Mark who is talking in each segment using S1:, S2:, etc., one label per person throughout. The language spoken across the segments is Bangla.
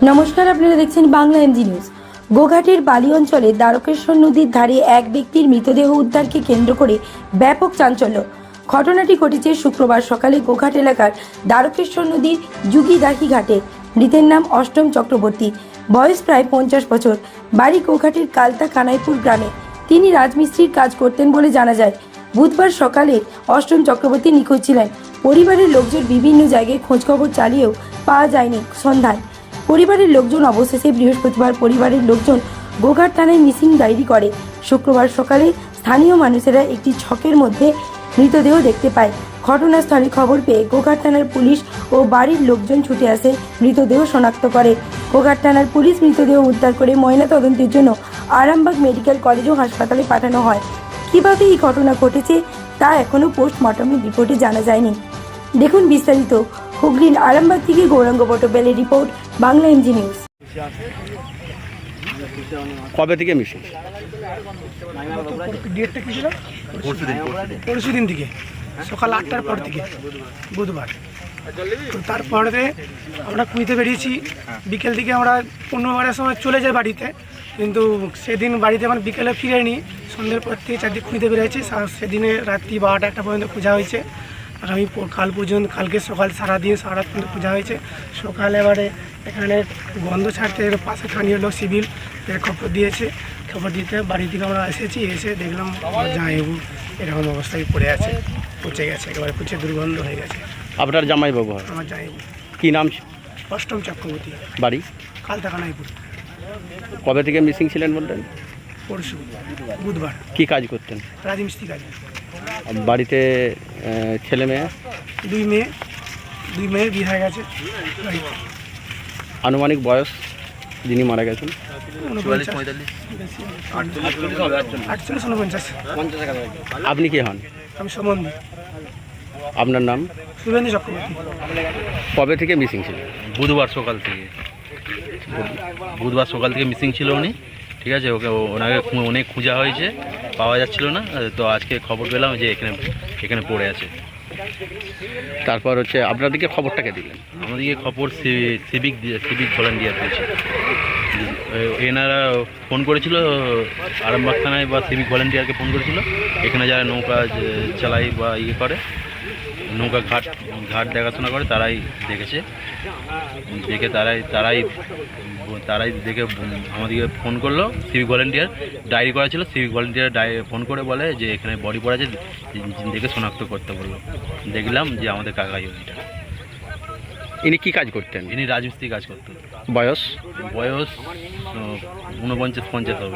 S1: নমস্কার, আপনারা দেখছেন বাংলা এমজি নিউজ। গোঘাটের বালি অঞ্চলে দ্বারকেশ্বর নদীর ধারে এক ব্যক্তির মৃতদেহ উদ্ধারকে কেন্দ্র করে ব্যাপক চাঞ্চল্য। ঘটনাটি ঘটেছে শুক্রবার সকালে গোঘাট এলাকার দ্বারকেশ্বর নদীর যুগিদাহি ঘাটে। মৃতের নাম অষ্টম চক্রবর্তী, বয়স প্রায় 50 বছর, বাড়ি গোঘাটের কালতা কানাইপুর গ্রামে। তিনি রাজমিস্ত্রির কাজ করতেন বলে জানা যায়। বুধবার সকালে অষ্টম চক্রবর্তী নিখোঁজ ছিলেন। পরিবারের লোকজন বিভিন্ন জায়গায় খোঁজখবর চালিয়েও পাওয়া যায়নি সন্ধান। পরিবারের লোকজন অবশেষে বৃহস্পতিবার পরিবারের লোকজন গোঘাট থানায় মিসিং ডায়েরি করে। শুক্রবার সকালে স্থানীয় মানুষেরা একটি ছকের মধ্যে মৃতদেহ দেখতে পায়। ঘটনাস্থলে খবর পেয়ে গোঘাট থানার পুলিশ ও বাড়ির লোকজন ছুটে আসে মৃতদেহ শনাক্ত করে। গোঘাট থানার পুলিশ মৃতদেহ উদ্ধার করে ময়নাতদন্তের জন্য আরামবাগ মেডিকেল কলেজ ও হাসপাতালে পাঠানো হয়। কিভাবে এই ঘটনা ঘটেছে তা এখনও পোস্টমর্টমের রিপোর্টে জানা যায়নি। দেখুন বিস্তারিত। হুগলির আরামবাগ থেকে গৌরাঙ্গ পটবেলের রিপোর্ট, বাংলা এমজি নিউজ।
S2: কবে থেকে মিশিং?
S3: ডেটটা কি ছিল? পরশু দিন থেকে, সকাল 8টার পর থেকে, বুধবার। তো তারপরে আমরা কুইতে বেরিয়েছি। বিকেল দিকে আমরা 15টার সময় চলে যাই বাড়িতে, কিন্তু সেদিন বাড়িতে মানে বিকেলে ফিরেনি। সন্ধ্যের পর থেকে চারদিকে খুঁজতে বেরিয়েছি। সেদিনে রাত্রি 12টা-1টা পর্যন্ত পূজা হয়েছে। আগামী কাল পর্যন্ত, কালকে সকাল সারাদিন সারা রাত পর্যন্ত পূজা হয়েছে। সকালে এবারে এখানে গন্ধ ছাড়তে পাশে স্থানীয় লোক সিভিল খবর দিয়েছে। খবর দিতে বাড়ি থেকে আমরা এসেছি, এসে দেখলাম জামাইবাবু এরকম অবস্থায় পড়ে আছে, পচে গেছে, একেবারে পচে দুর্গন্ধ হয়ে গেছে।
S2: আপনার জামাইবাবু হয়?
S3: আমার জামাইবাবু।
S2: কি নাম?
S3: অষ্টম চক্রবর্তী,
S2: বাড়ি
S3: কালতা কানাইপুর।
S2: কবে থেকে মিসিং ছিলেন বললেন?
S3: পরশু বুধবার।
S2: কি কাজ করতেন?
S3: রাজমিস্ত্রি কাজ।
S2: বাড়িতে ছেলে মেয়ে?
S3: দুই মেয়ে বিয়ে হয়ে গেছে। বাড়িতে
S2: আনুমানিক বয়স যিনি মারা গেছেন?
S3: 48-49।
S2: আপনি কে হন?
S3: আমি সম্বন্ধী।
S2: আপনার নাম?
S3: শুভেন্দু চক্রবর্তী।
S2: কবে থেকে মিসিং ছিলেন?
S4: বুধবার সকাল থেকে মিসিং ছিল উনি, ঠিক আছে। ওনাকে অনেক খোঁজা হয়েছে, পাওয়া যাচ্ছিল না। তো আজকে খবর পেলাম যে এখানে পড়ে আছে।
S2: তারপর হচ্ছে আপনাদেরকে খবরটাকে দিলেন?
S4: আমাদেরকে খবর সিভিক ভলান্টিয়ার দিয়েছে। এনারা ফোন করেছিল আরামবাগ থানায়, বা সিভিক ভলান্টিয়ারকে ফোন করেছিল। এখানে যারা নৌকা চালায় বা করে, নৌকা ঘাট দেখাশোনা করে, তারাই দেখেছে। দেখে তারাই দেখে আমাদেরকে ফোন করলো। সিভিক ভলান্টিয়ার ডায়েরি করা ছিল। সিভিক ভলান্টিয়ার ফোন করে বলে যে এখানে বডি পড়ে আছে, দেখে শনাক্ত করতে বললো। দেখলাম যে আমাদের কাকাই এটা।
S2: ইনি কি কাজ করতেন?
S4: ইনি রাজমিস্ত্রি কাজ করতেন।
S2: বয়স?
S4: 49-50 হবে।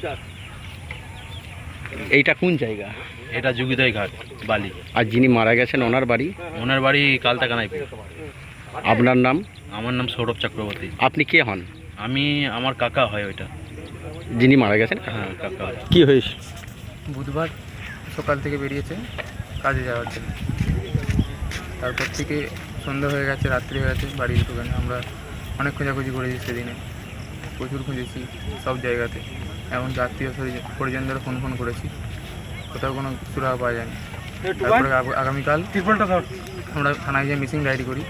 S2: এইটা কোন জায়গা?
S4: এটা যুগিদাই ঘাট, বালি।
S2: আর যিনি মারা গেছেন ওনার বাড়ি?
S4: ওনার বাড়ি কালতা কানাইপুর।
S2: আপনার নাম?
S4: আমার নাম সৌরভ চক্রবর্তী।
S2: আপনি কে হন?
S4: আমার কাকা হয় ওইটা।
S2: যিনি মারা গেছেন?
S4: হ্যাঁ, কাকা হয়।
S2: কি হয়েছে?
S5: বুধবার সকাল থেকে বেরিয়েছে কাজে যাওয়ার জন্য। তারপর থেকে সন্ধ্যা হয়ে গেছে, রাত্রি হয়ে গেছে, বাড়ি ঢুকে না। আমরা অনেক খোঁজাখুঁজি করেছি সেদিনে, প্রচুর খুঁজেছি সব জায়গাতে। এমনকি আত্মীয় পরিজনদের ফোন করেছি, কোথাও কোনো সুরাহা পাওয়া যায়নি। তারপরে আগামীকাল আমরা থানায় গিয়ে মিসিং ডায়েরি করি।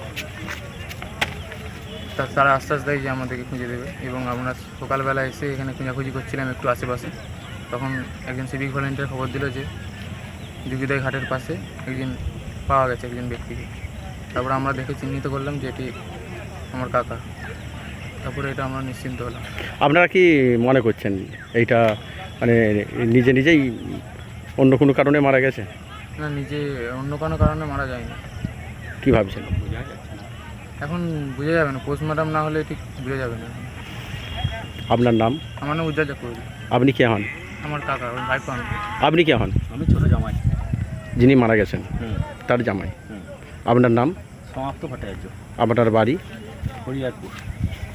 S5: তারা আশ্বাস দেয় যে আমাদেরকে খুঁজে দেবে। এবং আমরা সকালবেলা এসে এখানে খোঁজাখুঁজি করছিলাম একটু আশেপাশে, তখন একজন সিভিক ভলেন্টিয়ার খবর দিল যে যুগিদাই ঘাটের পাশে একজন পাওয়া গেছে, একজন ব্যক্তিকে। তারপরে আমরা দেখে চিহ্নিত করলাম যে এটি আমার কাকা। তারপরে এটা আমরা নিশ্চিন্ত হলাম।
S2: আপনারা কি মনে করছেন এইটা মানে নিজেই অন্য কোনো কারণে মারা গেছে?
S5: না, নিজে অন্য কোনো কারণে মারা যায়নি।
S2: কি ভাবছেন?
S5: এখন বোঝা যাবে না, পোস্টমর্টম না হলে ঠিক বোঝা যাবে না।
S2: আপনার নাম?
S5: আমার নাম উজ্জ্বল চক্রবর্তী।
S2: আপনি কে হন?
S5: আমার কাকা, ওই ভাইপো আমি।
S2: আপনি কে হন?
S4: আমি ছোট জামাই।
S2: যিনি মারা গেছেন তার জামাই। আপনার নাম?
S4: সমাপ্ত ভট্টাচার্য।
S2: আপনার বাড়ি?
S4: হরিয়ারপুর।